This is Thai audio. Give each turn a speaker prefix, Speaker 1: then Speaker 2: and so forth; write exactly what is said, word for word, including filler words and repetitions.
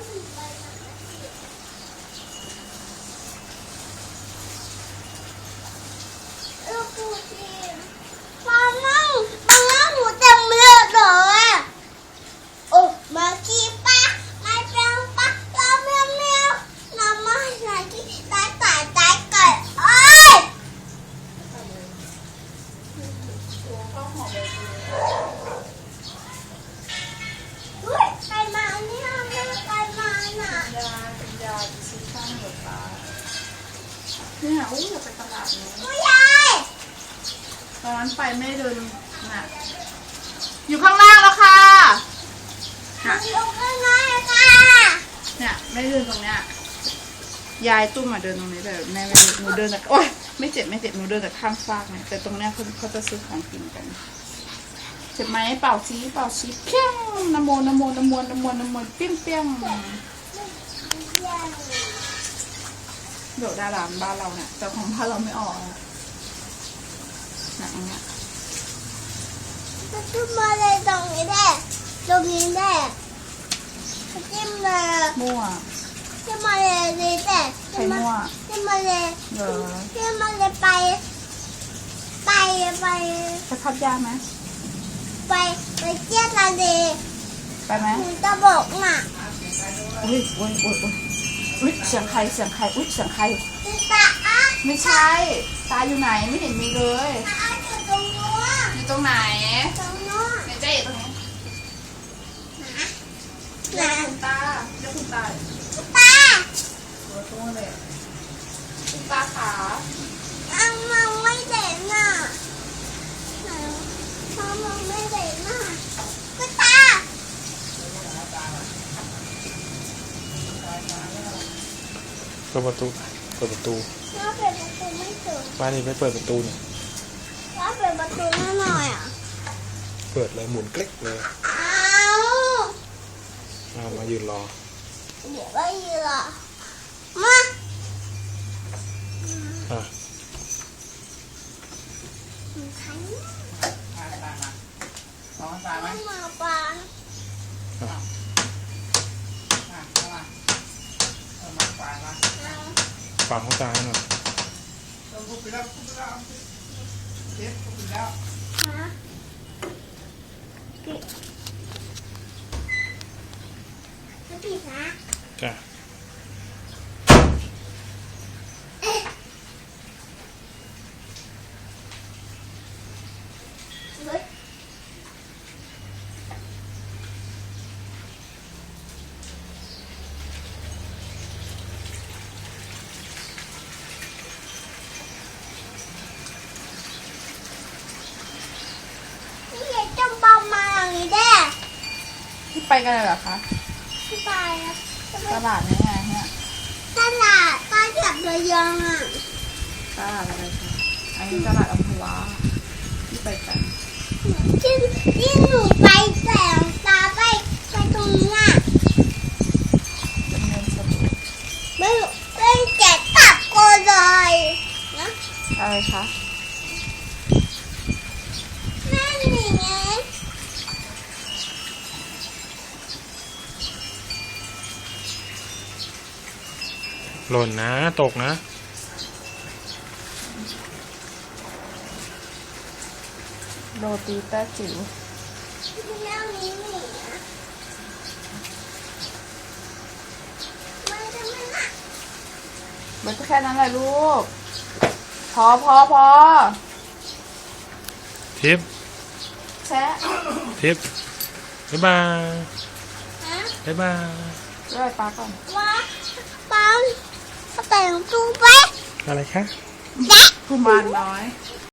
Speaker 1: ลูกปูจีนมานั่งมานั่งหนูเต็มเลือดเลยโอ้มาขี้ปะมาแปลงปะเราเมียวเมียวน้ำมาใส่ที่ตายตายตายไก่เอ้ยอุ้ยใครมาเนี่ยไม่ใครมาน่ะ
Speaker 2: ยาเป็นยาซื้อข้างหัวตาเนี่ยอู้อยากไปตลาดนี้
Speaker 1: ผู้ใหญ่
Speaker 2: ตอนนั้นไปไม่เดินน่ะอยู่ข้างล่างแล้วค่ะน่ะ
Speaker 1: อยู่ข้างในค่ะ
Speaker 2: เนี่ยไม่เดินตรงเนี้ยยายตุ้มมาเดินตรงนี้แต่แม่ไม่เดินหนูเดินแต่โอ๊ยไม่เจ็บไม่เจ็บหนูเดินแต่ข้างฟากเนี่ยแต่ตรงเนี้ยเขาเขาจะซื้อของกินกันเจ็บไหมเป่าซีเป่าซีเพี้ยงนโมนโมนโมนโมนโมเปี้ยงเปี้ยงเดี๋ยวดาราบ้านเราเนี่ยแต่ของบ้านเราไม่ออกอะหนังเนี้ย
Speaker 1: จะขึ้นมาเลยตรงนี้ได้ตรงนี้ได้จิ้มเลย
Speaker 2: มั่ว
Speaker 1: จิ้มมาเลยนี่ได้
Speaker 2: ใครมั่ว
Speaker 1: จิ้มมาเลย
Speaker 2: เดี๋ยว
Speaker 1: จิ้มมาเลยไปไปไป
Speaker 2: จะพับยาไหม
Speaker 1: ไปไปเที่ยวทะเล
Speaker 2: ไปไหม
Speaker 1: หนูจะบอกน่ะ
Speaker 2: อุ้ยอุ้ยอุ้ยอุ้ยอุ้ยเสียงใครเสียงใครอุ้ยเสียงใคร
Speaker 1: ติตาอ่ะ
Speaker 2: ไม่ใช่ตาอยู่ไหนไม่เห็นมีเลย
Speaker 1: ตาอยู่ตรงนู้น
Speaker 2: อยู่ตรงไหน
Speaker 1: ตรงนู้น
Speaker 2: ไหนเจ๊อยู่ตรงนี้
Speaker 1: นะ
Speaker 2: คุณตาเรียกคุณตา
Speaker 1: ตา
Speaker 2: ตัวตัวเลยคุณตาขา
Speaker 1: อังมองไม่เด่นน่ะมองมองไม่เด่นน่ะก็ตา
Speaker 3: เปิดประตูเปิดประตู
Speaker 1: ถ้าเปิดประตูไม่ถึง
Speaker 3: บ้านนี้ไม่เปิดประตูเนี่ย
Speaker 1: ถ้าเปิดประตูหน่อยอ่ะ
Speaker 3: เปิดเลยหมุนคลิกเลย
Speaker 1: อ้าว
Speaker 3: เอามายืนรอ
Speaker 1: เดี๋ยวก็ยืนอ่ะมา
Speaker 3: อ่ะ
Speaker 1: ใคร
Speaker 2: มาตามาลองตาไหม
Speaker 1: มาปา
Speaker 2: มาเข้ามาเออมาปามา
Speaker 3: ฟังเขาตาหน่อย
Speaker 2: ลงปุ๊บไปแล้วปุ๊บไปแล้วเจ็บปุ๊บไปแล้ว
Speaker 1: ฮะปิดปิดนะ
Speaker 3: จ้ะ
Speaker 1: เฮ้ยนี่ไงจำปามาอย่างนี้แด้
Speaker 2: ที่ไปกันเลยเหรอคะ
Speaker 1: ที่ไปอะจะไป
Speaker 2: ตลาดนี้ไงเนี่ย
Speaker 1: ตลาดตลาดระยองอ่ะ
Speaker 2: ตลาดอะไรคะอันนี้ตลาดอัมพวาที่ไปกัน
Speaker 1: ที่ที่หนูไปแต่งตาไปไปตรงนี้อ่ะ
Speaker 2: เป็นเงินสด
Speaker 1: ไม่ไม่แจกกลับกูเลยนะ
Speaker 2: อะไรคะ
Speaker 1: นั่นนี่ไง
Speaker 3: หล่นนะตกนะ
Speaker 2: โรตีแต้จิ๋ว
Speaker 1: ที่นั่งนี้นี่นะไม่ได้ไม่นะ
Speaker 2: มันก็แค่นั้นแหละลูก พอพอพอ
Speaker 3: ทิป
Speaker 2: แชะ
Speaker 3: ทิปบ๊ายบาย
Speaker 1: ฮะ
Speaker 3: บ๊ายบาย
Speaker 2: ด้วยปลาก่อน
Speaker 1: ว่าปังแต่งตัวไป
Speaker 3: อะไรคะ
Speaker 1: แจ๊ะ
Speaker 2: กุมารน้อย